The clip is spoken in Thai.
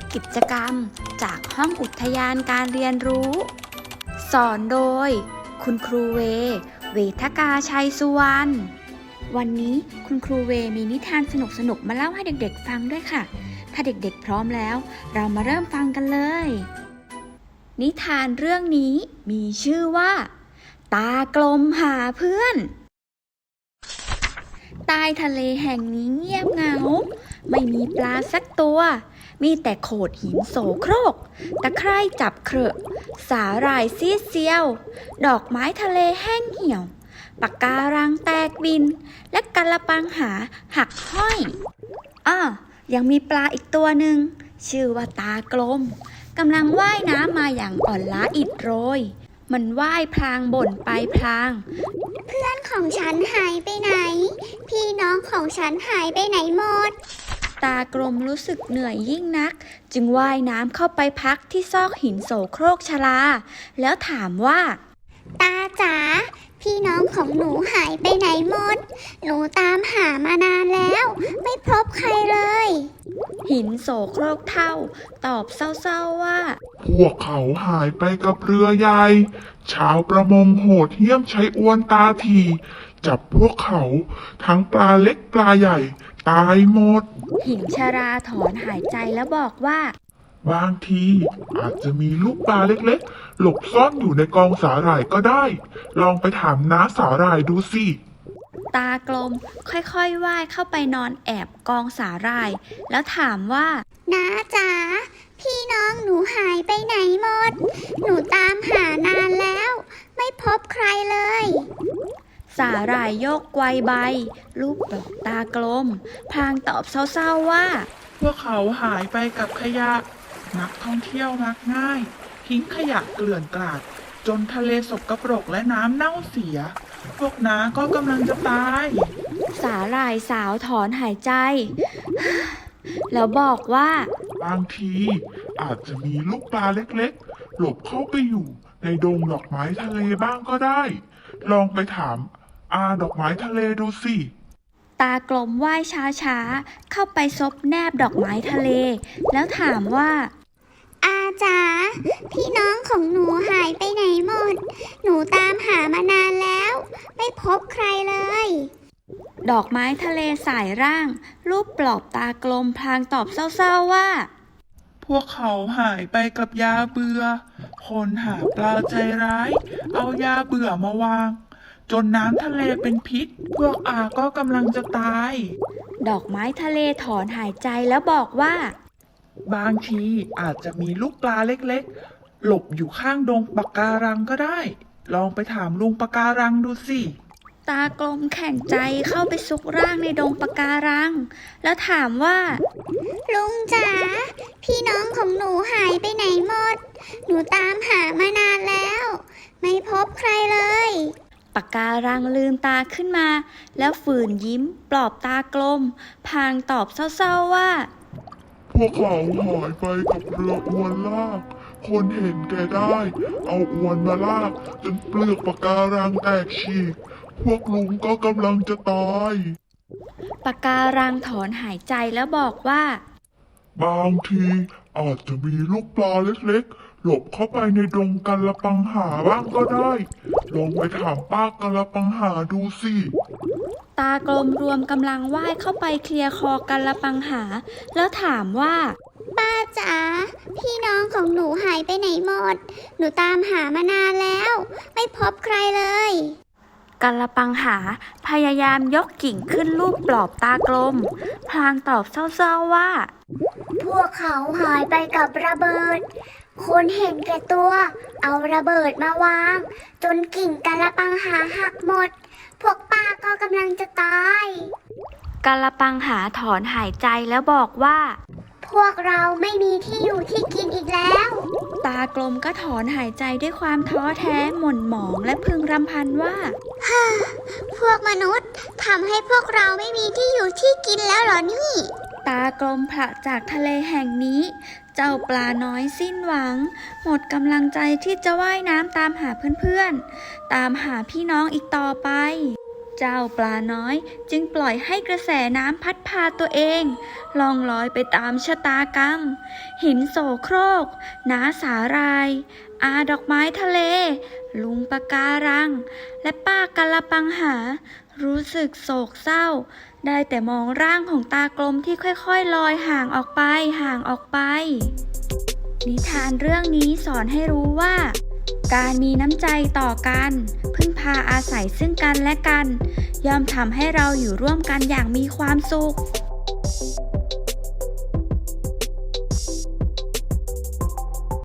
กิจกรรมจากห้องอุทยานการเรียนรู้ สอนโดยคุณครูเวทกาชัยสุวรรณวันนี้คุณครูเวมีนิทานสนุกๆมาเล่าให้เด็กๆฟังด้วยค่ะถ้าเด็กๆพร้อมแล้วเรามาเริ่มฟังกันเลยนิทานเรื่องนี้มีชื่อว่าตากลมหาเพื่อนใต้ทะเลแห่งนี้เงียบเหงาไม่มีปลาสักตัวมีแต่โขดหินโสโครกตะไคร่จับเคราะห์สาหร่ายซีดเซียวดอกไม้ทะเลแห้งเหี่ยวปะการังแตกบินและกะละปังหาหักห้อยยังมีปลาอีกตัวหนึ่งชื่อว่าตากลมกำลังว่ายน้ำมาอย่างอ่อนล้าอิดโรยมันว่ายพลางบ่นไปพลางเพื่อนของฉันหายไปไหนพี่น้องของฉันหายไปไหนหมดตากลมรู้สึกเหนื่อยยิ่งนักจึงว่ายน้ำเข้าไปพักที่ซอกหินโสโครกชลาแล้วถามว่าตาจ๋าพี่น้องของหนูหายไปไหนหมดหนูตามหามานานแล้วไม่พบใครเลยหินโสโครกเท่าตอบเศร้าๆว่าพวกเขาหายไปกับเรือใหญ่ชาวประมงโหดเหี้ยมใช้อวนตาถีจับพวกเขาทั้งปลาเล็กปลาใหญ่ตายหมดหินชราถอนหายใจแล้วบอกว่าบางทีอาจจะมีลูกปลาเล็กๆหลบซ่อนอยู่ในกองสาหร่ายก็ได้ลองไปถามน้าสาหร่ายดูสิตากลมค่อยๆว่ายเข้าไปนอนแอบกองสาหร่ายแล้วถามว่าน้าจ๋าพี่น้องหนูหายไปไหนหมดหนูตามหานานแล้วไม่พบใครเลยสาหร่ายโยกไกวใบลูบดอกตากลมพลางตอบเศร้าๆว่าพวกเขาหายไปกับขยะนักท่องเที่ยวมักง่ายทิ้งขยะเกลื่อนกลาดจนทะเลสกปรกและน้ำเน่าเสียพวกน้าก็กำลังจะตายสาหร่ายสาวถอนหายใจแล้วบอกว่าบางทีอาจจะมีลูกปลาเล็กๆหลบเข้าไปอยู่ในดงดอกไม้ทะเลบ้างก็ได้ลองไปถามดอกไม้ทะเลดูสิตากลมว่ายช้าๆเข้าไปซบแนบดอกไม้ทะเลแล้วถามว่าอาจ๋าพี่น้องของหนูหายไปไหนหมดหนูตามหามานานแล้วไม่พบใครเลยดอกไม้ทะเลสายร่างรูปปลอบตากลมพลางตอบเศร้าๆว่าพวกเขาหายไปกับยาเบื่อคนหาปลาใจร้ายเอายาเบื่อมาวางจนน้ำทะเลเป็นพิษพวกก็กำลังจะตายดอกไม้ทะเลถอนหายใจแล้วบอกว่าบางทีอาจจะมีลูกปลาเล็กๆหลบอยู่ข้างดงปะการังก็ได้ลองไปถามลุงปะการังดูสิตากลมแข็งใจเข้าไปซุกร่างในดงปะการังแล้วถามว่าลุงจ๋าพี่น้องของหนูหายไปไหนหมดหนูตามหามานานแล้วไม่พบใครเลยปะการังลืมตาขึ้นมาแล้วฝืนยิ้มปลอบตากลมพลางตอบเศร้าๆว่าพวกเขาหายไปกับเรืออวนลากคนเห็นแก่ได้เอาอวนมาลากจนเปลือกปะการังแตกฉีกพวกลุงก็กำลังจะตายปะการังถอนหายใจแล้วบอกว่าบางทีอาจจะมีลูกปลาเล็กๆหลบเข้าไปในดงกะละปังหาบ้างก็ได้ลองไปถามป้ากะละปังหาดูสิตากลมรวมกำลังว่ายเข้าไปเคลียร์คอกะละปังหาแล้วถามว่าป้าจ๋าพี่น้องของหนูหายไปไหนหมดหนูตามหามานานแล้วไม่พบใครเลยกะละปังหาพยายามยกกิ่งขึ้นลูบปลอบตากลมพลางตอบเศร้าๆว่าพวกเขาหายไปกับระเบิดคนเห็นแก่ตัวเอาระเบิดมาวางจนกิ่งกะละปังหาหักหมดพวกป้าก็กำลังจะตายกะละปังหาถอนหายใจแล้วบอกว่าพวกเราไม่มีที่อยู่ที่กินอีกแล้วตากลมก็ถอนหายใจด้วยความท้อแท้หม่นหมองและพึงรำพันว่าพวกมนุษย์ทำให้พวกเราไม่มีที่อยู่ที่กินแล้วเหรอนี่ตากลมผละจากทะเลแห่งนี้เจ้าปลาน้อยสิ้นหวังหมดกำลังใจที่จะว่ายน้ำตามหาเพื่อนๆตามหาพี่น้องอีกต่อไปเจ้าปลาน้อยจึงปล่อยให้กระแสน้ำพัดพาตัวเองล่องลอยไปตามชะตากรรม หินโสโครก น้าสาหร่าย อาดอกไม้ทะเล ลุงปะการัง และป้ากะละปังหา รู้สึกโศกเศร้า ได้แต่มองร่างของตากลมที่ค่อยๆลอยห่างออกไปห่างออกไป นิทานเรื่องนี้สอนให้รู้ว่า การมีน้ำใจต่อกัน พึ่งพาอาศัยซึ่งกันและกัน ย่อมทำให้เราอยู่ร่วมกันอย่างมีความสุข